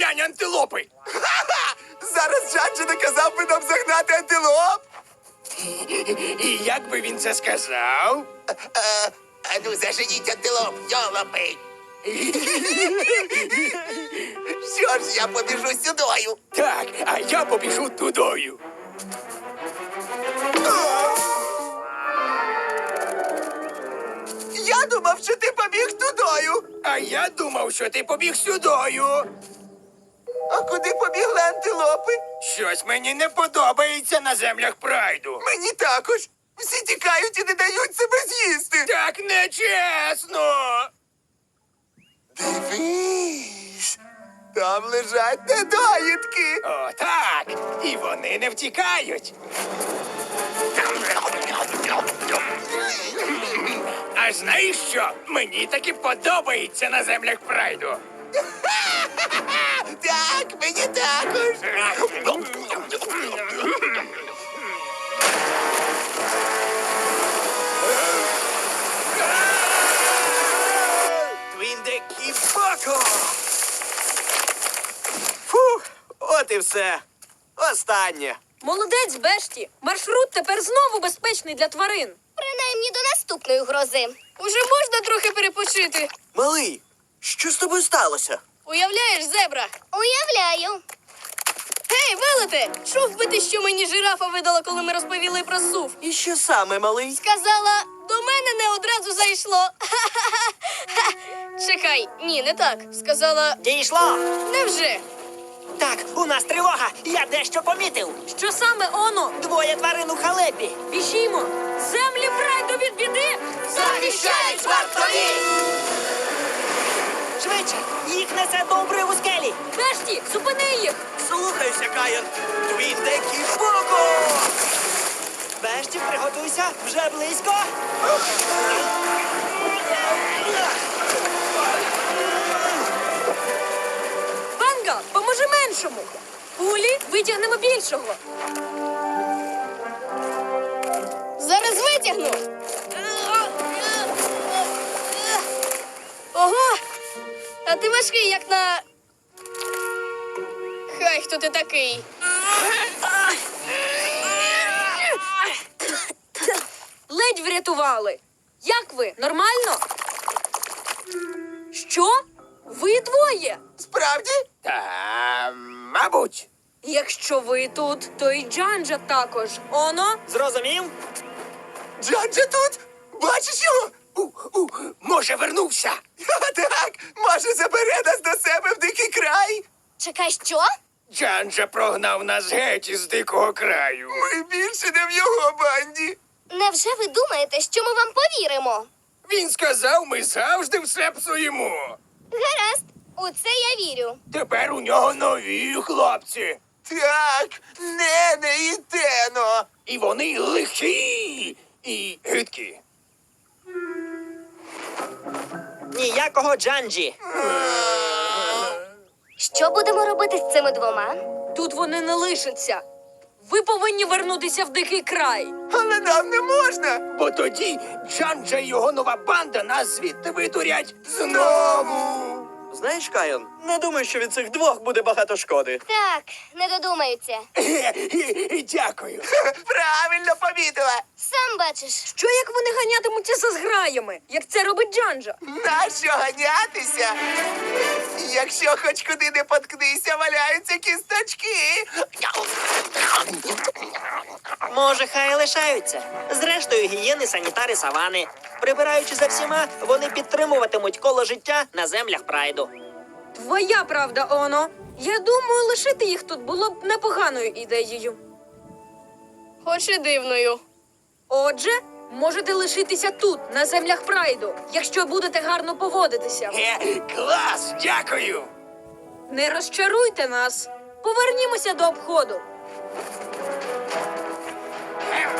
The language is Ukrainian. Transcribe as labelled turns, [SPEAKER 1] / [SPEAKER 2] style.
[SPEAKER 1] Глянь, антилопи!
[SPEAKER 2] Зараз Джанджа наказав би нам загнати антилоп.
[SPEAKER 1] І як би він це сказав?
[SPEAKER 2] А ну заженіть антилоп, йолопи. Що ж, я побіжу сюдою.
[SPEAKER 1] Так, а я побіжу тудою.
[SPEAKER 2] Я думав, що ти побіг тудою.
[SPEAKER 1] А я думав, що ти побіг сюдою.
[SPEAKER 2] А куди побігли антилопи?
[SPEAKER 1] Щось мені не подобається на землях прайду.
[SPEAKER 2] Мені також. Всі тікають і не дають себе з'їсти.
[SPEAKER 1] Так нечесно.
[SPEAKER 2] Дивись, там лежать недоїдки.
[SPEAKER 1] О, так. І вони не втікають. А знаєш що? Мені таки подобається на землях прайду.
[SPEAKER 2] Так, мені також.
[SPEAKER 3] Твіндекі Боко! Фух, от і все. Останнє.
[SPEAKER 4] Молодець, Бешті. Маршрут тепер знову безпечний для тварин.
[SPEAKER 5] Принаймні до наступної грози.
[SPEAKER 4] Уже можна трохи перепочити.
[SPEAKER 3] Малий, що з тобою сталося?
[SPEAKER 4] Уявляєш, зебра?
[SPEAKER 5] Уявляю.
[SPEAKER 4] Гей, велете! Чув би ти, що мені жирафа видала, коли ми розповіли про сув?
[SPEAKER 3] І що саме, малий?
[SPEAKER 4] Сказала, до мене не одразу зайшло. Чекай, ні, не так. Сказала,
[SPEAKER 6] Дійшло!
[SPEAKER 4] невже?
[SPEAKER 6] Так, у нас тривога! Я дещо помітив!
[SPEAKER 4] Що саме, оно?
[SPEAKER 6] Двоє тварин у халепі!
[SPEAKER 4] Біжімо! Землі прайду від біди!
[SPEAKER 6] Захищають вартові! Швидше! Їх несе до обриву скелі!
[SPEAKER 4] Бешті, зупини їх!
[SPEAKER 3] Слухайся, Каїн. Твіндекі Боко!
[SPEAKER 6] Бешті, приготуйся! Вже близько!
[SPEAKER 4] Банга, поможи меншому! Пулі витягнемо більшого! Зараз витягну! Ого! А ти важкий, як на... Хай, хто ти такий? Ледь врятували. Як ви? Нормально? Що? Ви двоє?
[SPEAKER 2] Справді?
[SPEAKER 1] Та, мабуть.
[SPEAKER 4] Якщо ви тут, то і Джанджа також. Оно?
[SPEAKER 6] Зрозумів?
[SPEAKER 2] Джанджа тут? Бачиш його?
[SPEAKER 1] Може, вернувся.
[SPEAKER 2] Так, може забере нас до себе в дикий край?
[SPEAKER 5] Чекай, що?
[SPEAKER 1] Джанджа прогнав нас геть із дикого краю.
[SPEAKER 2] Ми більше не в його банді.
[SPEAKER 5] Невже ви думаєте, що ми вам повіримо?
[SPEAKER 1] Він сказав, ми завжди все псуємо.
[SPEAKER 5] Гаразд, у це я вірю.
[SPEAKER 1] Тепер у нього нові хлопці.
[SPEAKER 2] Так, Нене і Тено.
[SPEAKER 1] І вони лихі і гидкі.
[SPEAKER 6] Ніякого Джанджі!
[SPEAKER 5] Що будемо робити з цими двома?
[SPEAKER 4] Тут вони не лишаться. Ви повинні вернутися в дикий край.
[SPEAKER 2] Але нам не можна.
[SPEAKER 1] Бо тоді Джанджа і його нова банда нас звідти видурять знову.
[SPEAKER 3] Знаєш, Кайон, не думаю, що від цих двох буде багато шкоди.
[SPEAKER 5] Так, не додумаються.
[SPEAKER 1] Дякую.
[SPEAKER 2] Правильно помітила.
[SPEAKER 5] Сам бачиш.
[SPEAKER 4] Що як вони ганятимуться за зграями, як це робить Джанджа?
[SPEAKER 2] Нащо ганятися? Якщо хоч куди не поткнися, валяються кісточки.
[SPEAKER 6] Може, хай лишаються. Зрештою, гієни, санітари, савани. Прибираючи за всіма, вони підтримуватимуть коло життя на землях прайду.
[SPEAKER 4] Твоя правда, Оно. Я думаю, лишити їх тут було б непоганою ідеєю. Хоч і дивною. Отже, можете лишитися тут, на землях прайду, якщо будете гарно поводитися.
[SPEAKER 1] Клас, дякую.
[SPEAKER 4] Не розчаруйте нас. Повернімося до обходу.